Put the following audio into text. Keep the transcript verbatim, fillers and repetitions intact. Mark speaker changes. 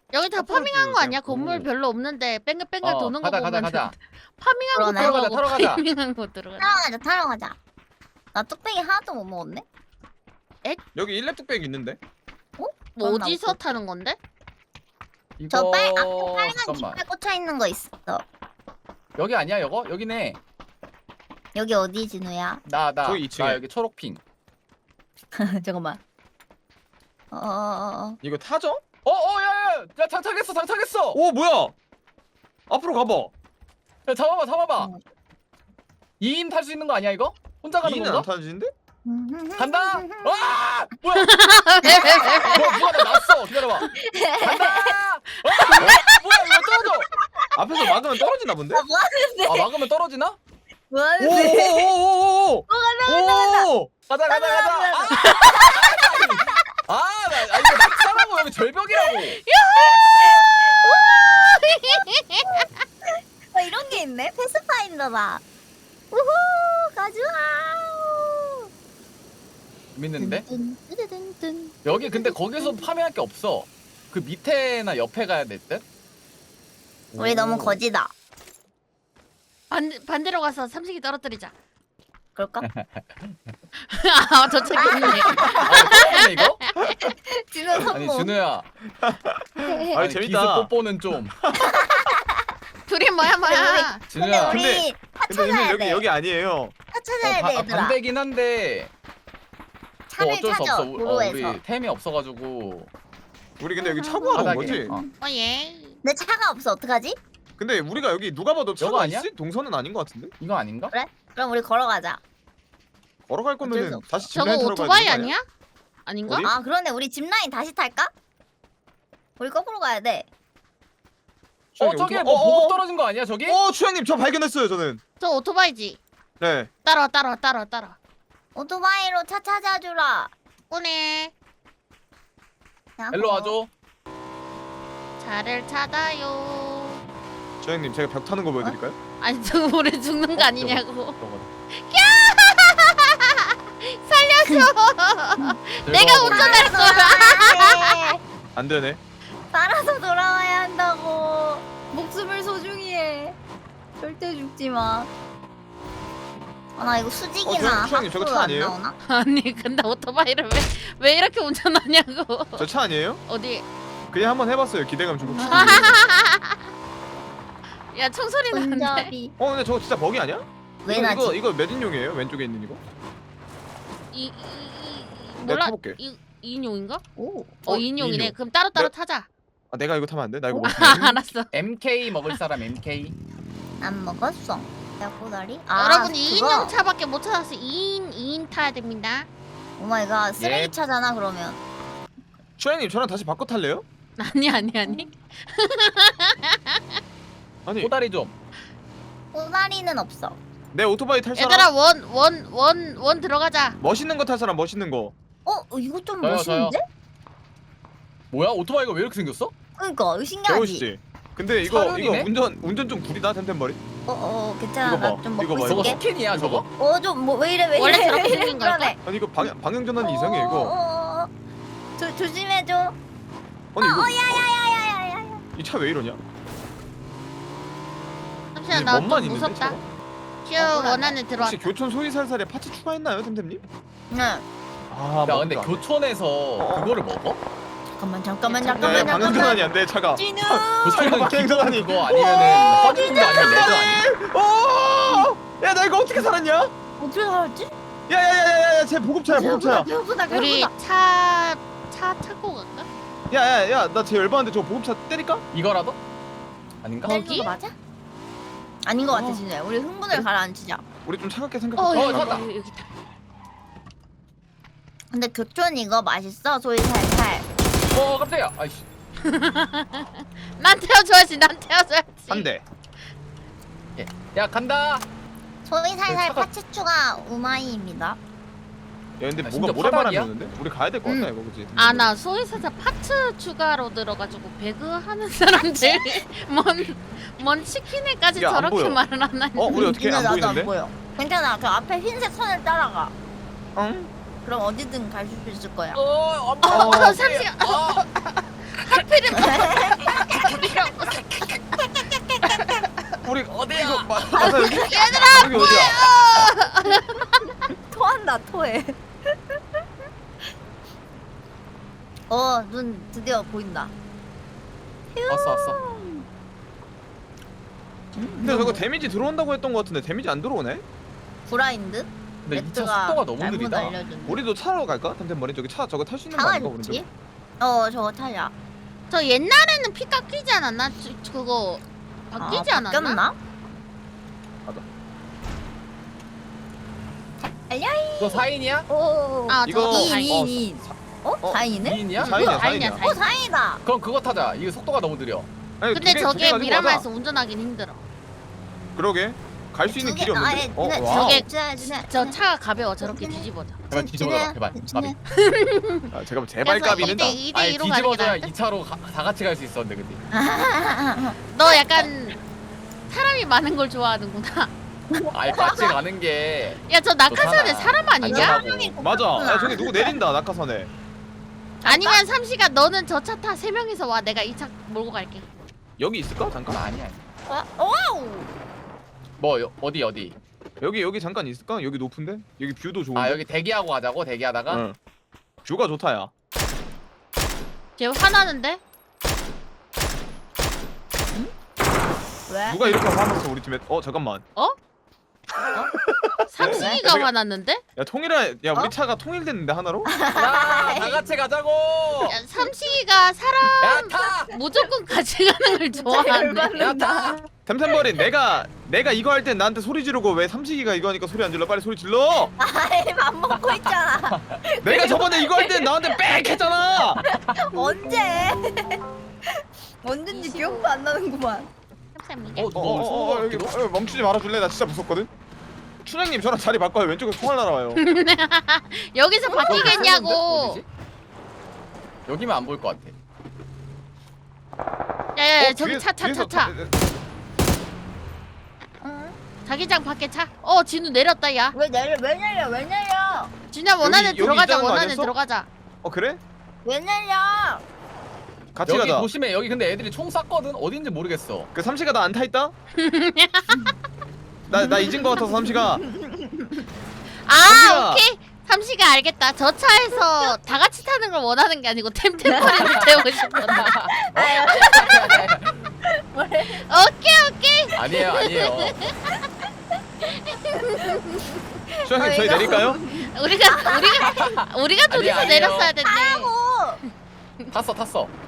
Speaker 1: 여기 다
Speaker 2: 앞으로
Speaker 1: 파밍한 거
Speaker 2: 그냥
Speaker 1: 아니야? 건물
Speaker 2: 고.
Speaker 1: 별로 없는데 뺑글뺑글
Speaker 3: 어,
Speaker 1: 도는 거
Speaker 3: 가자,
Speaker 1: 보면
Speaker 3: 가자, 가자.
Speaker 1: 파밍한 거
Speaker 4: 그러네.
Speaker 1: 들어가고
Speaker 3: 타러 가자, 타러 가자.
Speaker 1: 파밍한 거 들어가.
Speaker 4: 타러 가자 타러 가자. 나 뚝배기 하나도 못 먹었네.
Speaker 2: 여기 일렙 뚝배기 있는데?
Speaker 1: 뭐
Speaker 4: 그럼
Speaker 1: 어디서
Speaker 4: 나오고.
Speaker 1: 타는 건데?
Speaker 3: 이거
Speaker 4: 저 빨 앞에 빨간
Speaker 3: 잠깐만.
Speaker 4: 깃발 꽂혀 있는 거 있어.
Speaker 3: 여기 아니야, 이거? 여기네.
Speaker 4: 여기 어디 진우야?
Speaker 3: 나, 나.
Speaker 2: 저기 이 층에.
Speaker 3: 나 여기 초록핑.
Speaker 4: 잠깐만. 어어어.
Speaker 2: 이거 타죠?
Speaker 3: 어, 어, 야, 야, 야, 장착했어, 장착했어.
Speaker 2: 오 뭐야? 앞으로 가봐.
Speaker 3: 야, 잡아봐, 잡아봐.
Speaker 4: 어.
Speaker 3: 이 인 탈 수 있는 거 아니야, 이거? 혼자 가는
Speaker 2: 이는 안
Speaker 3: 건가?
Speaker 2: 타지는데?
Speaker 3: 간다. 와! 뭐야? 뭐, 누가 나 났어. 기다려봐. 간다. 와! 뭐야, 이거 떨어져.
Speaker 2: 앞에서 막으면 떨어지나 본데?
Speaker 4: 아, 뭐 하는데?
Speaker 3: 아, 막으면 떨어지나?
Speaker 4: 뭐 하는데?
Speaker 2: 오오오오오!
Speaker 4: 어, 간다.
Speaker 2: 오!
Speaker 3: 가자, 가자, 가자. 아, 아, 나, 아 이거 낙사라고 여기 절벽이라고.
Speaker 4: 어, 이런 게 있네. 패스파인더다. 우후 가즈아.
Speaker 3: 재밌는데?
Speaker 4: 뜬뜬뜬뜬.
Speaker 3: 여기 근데 거기서 파밍할 게 없어. 그 밑에나 옆에 가야 될 듯?
Speaker 4: 우리 너무 거지다.
Speaker 1: 반 반대로 가서 삼식이 떨어뜨리자.
Speaker 4: 그럴까?
Speaker 1: 아 저쪽에 있네.
Speaker 3: 아, 떨어지네, 이거?
Speaker 4: 진우
Speaker 3: 아니,
Speaker 4: 성공.
Speaker 3: 준우야.
Speaker 2: 아니,
Speaker 3: 아니,
Speaker 2: 재밌다.
Speaker 3: 기습 뽀뽀는 좀.
Speaker 1: 둘이 뭐야 뭐야.
Speaker 4: 근데
Speaker 3: 준우야.
Speaker 4: 우리
Speaker 2: 근데-
Speaker 4: 다
Speaker 2: 근데
Speaker 4: 찾아야
Speaker 2: 여기
Speaker 4: 돼.
Speaker 2: 여기 아니에요.
Speaker 4: 다 찾아야
Speaker 3: 어,
Speaker 4: 돼
Speaker 3: 바,
Speaker 4: 얘들아.
Speaker 3: 반대긴 한데 뭐
Speaker 4: 차를
Speaker 3: 어쩔 수
Speaker 4: 찾아
Speaker 3: 없어. 우- 어,
Speaker 4: 도로에서.
Speaker 3: 우리 템이 없어가지고.
Speaker 2: 우리 근데 여기 차구하러 온
Speaker 3: 바닥에.
Speaker 2: 거지?
Speaker 3: 어.
Speaker 1: 어 예.
Speaker 4: 내 차가 없어 어떡하지?
Speaker 2: 근데 우리가 여기 누가 봐도
Speaker 3: 여거
Speaker 2: 차가
Speaker 3: 아니야?
Speaker 2: 있을 동선은 아닌 것 같은데?
Speaker 3: 이거 아닌가?
Speaker 4: 그럼 우리 걸어가자.
Speaker 2: 걸어갈
Speaker 4: 어쩔 수
Speaker 2: 거면은
Speaker 4: 없어.
Speaker 2: 다시
Speaker 1: 저거
Speaker 2: 집라인 타러 가야
Speaker 1: 오토바이
Speaker 2: 되는 거
Speaker 1: 아니야? 아닌가?
Speaker 2: 어디?
Speaker 4: 아 그러네 우리 짚라인 다시 탈까? 우리 거꾸로 가야 돼.
Speaker 3: 어,
Speaker 2: 추장님,
Speaker 3: 저기
Speaker 2: 오토-
Speaker 3: 뭐
Speaker 2: 어,
Speaker 3: 보급
Speaker 2: 어,
Speaker 3: 떨어진 거 아니야, 저기?
Speaker 2: 어, 추장님 저 발견했어요 저는.
Speaker 1: 저 오토바이지.
Speaker 2: 네.
Speaker 1: 따라와 따라와 따라와 따라와.
Speaker 4: 오토바이로 차 찾아주라.
Speaker 1: 오네.
Speaker 4: 야,
Speaker 3: 일로 와줘.
Speaker 1: 차를 찾아요.
Speaker 2: 추장님 제가 벽 타는 거 보여드릴까요?
Speaker 1: 아니 저 우리 죽는 거 아니냐고.
Speaker 3: 저거.
Speaker 1: 살려줘. 내가
Speaker 3: 들어가
Speaker 1: 운전할 거야.
Speaker 4: 돌아와야 돼.
Speaker 2: 안 되네.
Speaker 4: 따라서 돌아와야 한다고. 목숨을 소중히 해. 절대 죽지 마. 아, 나 이거
Speaker 2: 어,
Speaker 4: 수직이나
Speaker 2: 저- 추장님, 저거
Speaker 4: 하프로
Speaker 2: 차
Speaker 4: 안
Speaker 2: 아니에요?
Speaker 4: 나오나?
Speaker 1: 아니 근데 오토바이를 왜 왜 이렇게 운전하냐고.
Speaker 2: 저 차 아니에요?
Speaker 1: 어디?
Speaker 2: 그냥 한번 해봤어요. 기대감 좀.
Speaker 1: 야 총소리 나는데.
Speaker 4: 운전비.
Speaker 2: 어 근데 저거 진짜 버기 아니야?
Speaker 4: 왜
Speaker 2: 이거,
Speaker 4: 나지?
Speaker 2: 이거 이거 몇 인용이에요? 왼쪽에 있는 이거?
Speaker 1: 이, 이, 이
Speaker 2: 내가
Speaker 1: 몰라.
Speaker 2: 타볼게.
Speaker 1: 이 인용인가?
Speaker 4: 오.
Speaker 1: 어,
Speaker 2: 어,
Speaker 1: 인용이네.
Speaker 2: 이인용.
Speaker 1: 그럼 따로 따로
Speaker 2: 네.
Speaker 1: 타자.
Speaker 2: 아 내가 이거 타면 안 돼? 나 이거 못
Speaker 1: 아,
Speaker 2: 타.
Speaker 1: 알았어.
Speaker 3: 엠케이 먹을 사람 엠케이.
Speaker 4: 안 먹었어. 야 꼬다리. 아,
Speaker 1: 여러분
Speaker 4: 그거.
Speaker 1: 이 인용 차밖에 못 찾아서 이 인 이 인 타야 됩니다.
Speaker 4: 오 마이 갓. 쓰레기
Speaker 3: 예.
Speaker 4: 차잖아 그러면.
Speaker 2: 추장님 저랑 다시 바꿔 탈래요?
Speaker 1: 아니 아니 아니.
Speaker 2: 아니
Speaker 3: 꼬다리 좀.
Speaker 4: 꼬다리는 없어.
Speaker 2: 내 오토바이 탈 사람?
Speaker 1: 얘들아 원 원 원 원 들어가자.
Speaker 2: 멋있는 거 탈 사람 멋있는 거.
Speaker 4: 어 이거 좀
Speaker 3: 저요,
Speaker 4: 멋있는데?
Speaker 3: 뭐야? 오토바이가 왜 이렇게 생겼어?
Speaker 4: 그러니까 이거 신기하지.
Speaker 2: 배우시지? 근데 이거
Speaker 3: 사륜이네?
Speaker 2: 이거 운전 운전 좀 구리다 템템머리.
Speaker 4: 어어 괜찮아.
Speaker 2: 이거 봐,
Speaker 4: 나 좀
Speaker 2: 이거
Speaker 4: 먹고
Speaker 2: 봐,
Speaker 3: 저거
Speaker 4: 있을게.
Speaker 3: 스킨이야, 저거?
Speaker 4: 어좀 뭐 왜 이래 왜 이래
Speaker 1: 원래
Speaker 4: 왜
Speaker 1: 저렇게
Speaker 4: 이래
Speaker 1: 생긴 걸까?
Speaker 4: 그러네.
Speaker 2: 아니 이거 방향 방향 전환이 이상해
Speaker 4: 어,
Speaker 2: 이거.
Speaker 4: 어, 어, 어. 조 조심해줘.
Speaker 2: 아니 이거
Speaker 4: 야야야야야야야.
Speaker 2: 이 차 왜 이러냐?
Speaker 1: 잠시만
Speaker 2: 이
Speaker 1: 나
Speaker 2: 멋만
Speaker 1: 좀
Speaker 2: 있는데,
Speaker 1: 무섭다.
Speaker 2: 차가?
Speaker 1: 큐
Speaker 4: 어,
Speaker 1: 원 안에 들어와.
Speaker 2: 혹시 교촌 소이살살에 파츠 추가했나요, 템템님?
Speaker 4: 응.
Speaker 2: 아,
Speaker 3: 야, 근데 교촌에서 그거를 먹어?
Speaker 4: 잠깐만 잠깐만
Speaker 2: 네,
Speaker 4: 잠깐만
Speaker 2: 방향
Speaker 4: 잠깐만.
Speaker 2: 전환이 안 돼, 차가.
Speaker 4: 진우.
Speaker 3: 교촌은
Speaker 2: 방향
Speaker 3: 기본
Speaker 2: 전환이.
Speaker 3: 그거 아니면은 허니콤도 아니면 레드 아니?
Speaker 2: 오! 야, 나 이거 어떻게 살았냐?
Speaker 4: 어떻게 살았지?
Speaker 2: 야야야야야, 쟤 보급차야, 보급차야.
Speaker 4: 배고프다
Speaker 1: 우리
Speaker 4: 배고프다.
Speaker 1: 차 차 타고 갈까?
Speaker 2: 야야야, 나 쟤 열받는데 저 보급차 때릴까?
Speaker 3: 이거라도? 아닌가?
Speaker 1: 어?
Speaker 4: 거기 맞아? 아닌 것 같아
Speaker 2: 어.
Speaker 4: 진짜. 우리 흥분을 가라앉히자.
Speaker 2: 우리 좀 차갑게
Speaker 1: 어
Speaker 2: 생각해.
Speaker 1: 여기
Speaker 3: 찾았다.
Speaker 1: 여기 여기 있다.
Speaker 4: 근데 교촌 이거 맛있어 소이 살살.
Speaker 3: 어, 깜짝이야. 아이씨.
Speaker 1: 난 태워줘야지. 난 태워줘야지.
Speaker 2: 한 대.
Speaker 3: 야, 간다.
Speaker 4: 소이 살살
Speaker 3: 차가-
Speaker 4: 파츠 추가 우마이입니다.
Speaker 2: 야, 근데
Speaker 3: 아,
Speaker 2: 뭐가
Speaker 3: 진짜
Speaker 2: 모래바람이
Speaker 3: 바닥이야?
Speaker 2: 오는데? 우리 가야 될 것 같다
Speaker 4: 응.
Speaker 2: 이거 그지?
Speaker 1: 아 나 소이사자 파츠 추가로 들어가지고 배그 하는 사람들 뭔, 뭔 치킨에까지
Speaker 2: 이게 안
Speaker 1: 저렇게
Speaker 2: 보여.
Speaker 1: 말을 안 하니.
Speaker 2: 어, 우리 어떻게
Speaker 4: 니네
Speaker 2: 안
Speaker 4: 나도
Speaker 2: 보이는데?
Speaker 4: 안 보여. 괜찮아. 그 앞에 흰색 선을 따라가.
Speaker 2: 응?
Speaker 4: 그럼 어디든 갈 수 있을 거야.
Speaker 3: 어,
Speaker 1: 어,
Speaker 3: 엄마.
Speaker 1: 어, 삼십. 어, 하필이면
Speaker 2: 맞아 여기.
Speaker 1: 얘들아
Speaker 2: 여기 어디야?
Speaker 4: 토한다 토해. 어, 눈 드디어 보인다.
Speaker 3: 왔어 왔어.
Speaker 2: 근데 저거 데미지 들어온다고 했던 거 같은데 데미지 안 들어오네?
Speaker 4: 브라인드?
Speaker 3: 근데 이 차
Speaker 4: 레트가
Speaker 3: 속도가 너무
Speaker 4: 잘못
Speaker 3: 느리다.
Speaker 4: 알려준.
Speaker 2: 우리도 차로 갈까? 템템머리 저기 차 저거 탈 수 있는 거
Speaker 4: 차가
Speaker 2: 아닌가 우리
Speaker 4: 있지?
Speaker 2: 저?
Speaker 4: 어, 저거 타자.
Speaker 1: 저 옛날에는 피 깎이지 않았나? 저, 그거 바뀌지
Speaker 4: 아,
Speaker 1: 않았나?
Speaker 4: 바뀌었나?
Speaker 2: 맞아.
Speaker 4: 알려이.
Speaker 3: 너 사인이야?
Speaker 4: 오.
Speaker 1: 아
Speaker 2: 이거-
Speaker 1: 저거
Speaker 2: 어,
Speaker 4: 이,
Speaker 1: 다행.
Speaker 4: 이, 이. 어?
Speaker 2: 어?
Speaker 4: 다행이네?
Speaker 3: 이인이야?
Speaker 2: 사인이야
Speaker 1: 사인이야,
Speaker 2: 사인이야.
Speaker 4: 어, 다행이다.
Speaker 3: 그럼 그거 타자. 이거 속도가 너무 느려.
Speaker 2: 아니,
Speaker 1: 근데
Speaker 2: 두 개,
Speaker 1: 저게
Speaker 2: 두개 가지고
Speaker 1: 미라마에서
Speaker 2: 가자.
Speaker 1: 운전하긴 힘들어.
Speaker 2: 그러게 갈 수 있는
Speaker 4: 두 개-
Speaker 2: 길이 없는데?
Speaker 4: 아니,
Speaker 2: 어?
Speaker 4: 네,
Speaker 2: 와.
Speaker 1: 저게-
Speaker 4: 주네, 주네,
Speaker 1: 저
Speaker 4: 주네.
Speaker 1: 차가 가벼워. 저렇게 뒤집어져.
Speaker 3: 제발 뒤집어라. 제발.
Speaker 4: 주네.
Speaker 3: 나비.
Speaker 2: 아, 잠깐만 제발 까비는
Speaker 1: 이대 이대
Speaker 3: 아니
Speaker 1: 이로 가는 게
Speaker 3: 뒤집어줘야
Speaker 1: 나은데?
Speaker 3: 이 차로 가, 다 같이 갈 수 있었는데 근데.
Speaker 1: 너 약간 사람이 많은 걸 좋아하는구나.
Speaker 3: 아니 같이 가는 게
Speaker 1: 야 저 낙하산에
Speaker 3: 좋잖아.
Speaker 1: 사람 아니냐?
Speaker 3: 안전하고.
Speaker 2: 맞아. 야 저기 누구 내린다 낙하산에.
Speaker 1: 아니면 삼시가 너는 저 차 타 세 명이서 와. 내가 이 차 몰고 갈게.
Speaker 2: 여기 있을까? 잠깐.
Speaker 3: 아니야.
Speaker 4: 어? 와우.
Speaker 3: 뭐 여, 어디 어디?
Speaker 2: 여기 여기 잠깐 있을까? 여기 높은데? 여기 뷰도 좋은데?
Speaker 3: 아 여기 대기하고 가자고 대기하다가.
Speaker 2: 응. 뷰가 좋다야.
Speaker 1: 쟤 화나는데?
Speaker 4: 왜?
Speaker 2: 누가 이렇게 화났어 우리 팀에? 어 잠깐만.
Speaker 1: 삼식이가
Speaker 2: 왜?
Speaker 1: 화났는데?
Speaker 2: 야 통일해. 야 우리
Speaker 4: 어?
Speaker 2: 차가 통일됐는데 하나로?
Speaker 3: 야다 같이 가자고.
Speaker 1: 야, 삼식이가 사람
Speaker 3: 야 타.
Speaker 1: 무조건 같이 가는 걸 좋아하는데.
Speaker 3: 야 타.
Speaker 2: 템템버린 내가 내가 이거 할 땐 나한테 소리 지르고 왜 삼식이가 이거 하니까 소리 안 질러? 빨리 소리 질러.
Speaker 4: 아이, 밥 먹고 있잖아.
Speaker 2: 내가 저번에 이거 할 땐 나한테 빽 했잖아.
Speaker 4: 언제? 언젠지 기억도 안 나는구만.
Speaker 1: 감사합니다.
Speaker 3: 어
Speaker 2: 어,
Speaker 3: 누가
Speaker 2: 어, 어, 어, 여기
Speaker 3: 어,
Speaker 2: 어, 멈추지 말아줄래? 나 진짜 무섭거든. 춘향님 저랑 자리 바꿔요. 왼쪽에 총알 날아와요.
Speaker 1: 여기서 바뀌겠냐고.
Speaker 3: 어디지? 여기면 안 보일 것 같아.
Speaker 1: 야야야
Speaker 2: 어,
Speaker 1: 저기
Speaker 2: 뒤에-
Speaker 1: 차 차
Speaker 2: 뒤에서
Speaker 1: 차 차.
Speaker 4: 응?
Speaker 1: 자기장 밖에 차. 어 진우 내렸다 야.
Speaker 4: 왜 내려? 왜 내려? 왜 내려?
Speaker 1: 진우야 원안에
Speaker 2: 여기
Speaker 1: 들어가자.
Speaker 2: 있다는 거
Speaker 1: 원안에
Speaker 2: 아니었어?
Speaker 1: 들어가자.
Speaker 2: 어 그래?
Speaker 4: 왜 내려?
Speaker 2: 같이
Speaker 3: 여기
Speaker 2: 가자.
Speaker 3: 조심해. 여기 근데 애들이 총 쐈거든. 어딘지 모르겠어.
Speaker 2: 그 삼시가 나 안 타 있다? 나 나 잊은 거 같아서 삼시가.
Speaker 1: 아
Speaker 2: 삼시가.
Speaker 1: 오케이. 삼시가 알겠다. 저 차에서 다 같이 타는 걸 원하는 게 아니고 템템머리를 태우고 싶구나.
Speaker 4: 아유. 뭐래?
Speaker 1: 오케이 오케이.
Speaker 3: 아니에요 아니에요.
Speaker 2: 춘향님
Speaker 4: 어,
Speaker 2: 저희
Speaker 4: 이거-
Speaker 2: 내릴까요?
Speaker 1: 우리가 우리가 우리가 둘이서
Speaker 3: 아니에요.
Speaker 1: 내렸어야 됐네.
Speaker 4: 하고.
Speaker 3: 탔어 탔어.